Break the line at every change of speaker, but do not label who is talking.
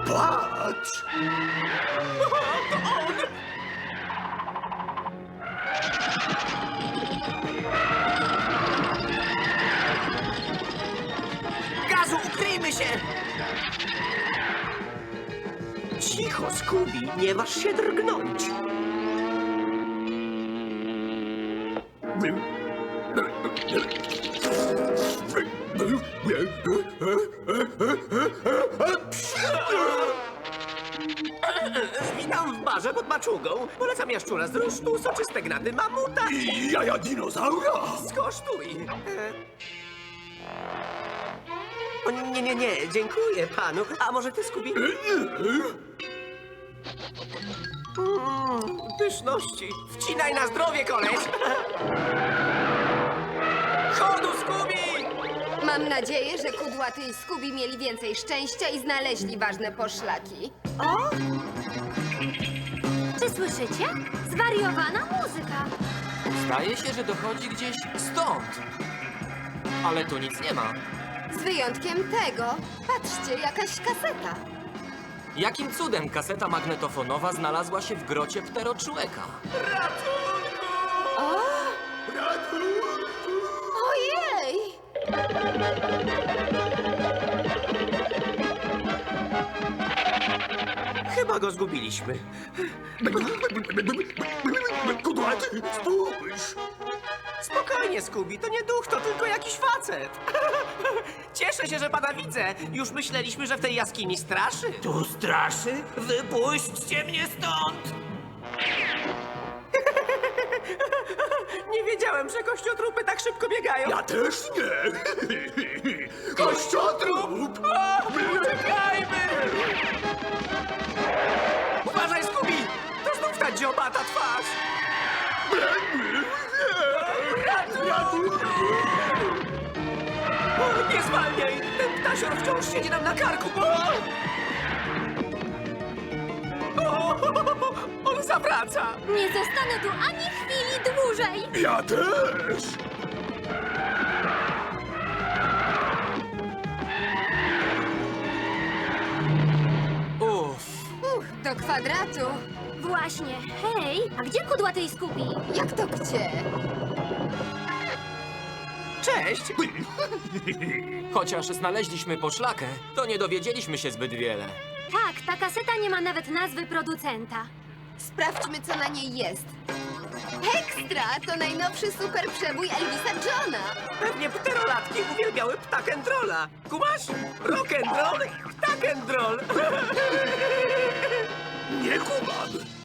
Patrz!
Gazu, ukryjmy się! Cicho, Scooby, nie waż się drgnąć. Witam w barze pod maczugą. Polecam jaszczura z rusztu, soczyste gnaty mamuta.
I jaja dinozaura!
Skosztuj. O, nie, dziękuję panu. A może ty, Scooby? Pyszności. Wcinaj na zdrowie, koleś. Chodu, Scooby!
Mam nadzieję, że Kudłaty i Scooby mieli więcej szczęścia i znaleźli ważne poszlaki.
O! Czy słyszycie? Zwariowana muzyka.
Zdaje się, że dochodzi gdzieś stąd. Ale tu nic nie ma.
Z wyjątkiem tego, patrzcie, jakaś kaseta.
Jakim cudem kaseta magnetofonowa znalazła się w grocie pteroczłeka?
Ojej!
Chyba go zgubiliśmy.
Kudłaty, spójrz!
Spokojnie, Scooby, to nie duch, to tylko jakiś facet. Cieszę się, że pana widzę. Już myśleliśmy, że w tej jaskini straszy.
Tu straszy? Wypuśćcie mnie stąd!
Nie wiedziałem, że kościotrupy tak szybko biegają.
Ja też nie! Kościotrup!
Uciekajmy! Uważaj, Scooby! To znów ta dziobata twarz! O, nie zwalniaj! Ten ptasior wciąż siedzi nam na karku! O, on zawraca!
Nie zostanę tu ani chwili dłużej.
Ja też!
Uff.
Do kwadratu.
Właśnie. Hej, a gdzie Kudłaty i Scooby?
Jak to gdzie?
Cześć!
Chociaż znaleźliśmy poszlakę, to nie dowiedzieliśmy się zbyt wiele.
Tak, ta kaseta nie ma nawet nazwy producenta.
Sprawdźmy, co na niej jest. Ekstra! To najnowszy super przebój Elvisa Johna.
Pewnie pterolatki uwielbiały ptak'n'rolla. Kumasz? Rock'n'roll, ptak'n'roll.
Nie kumam!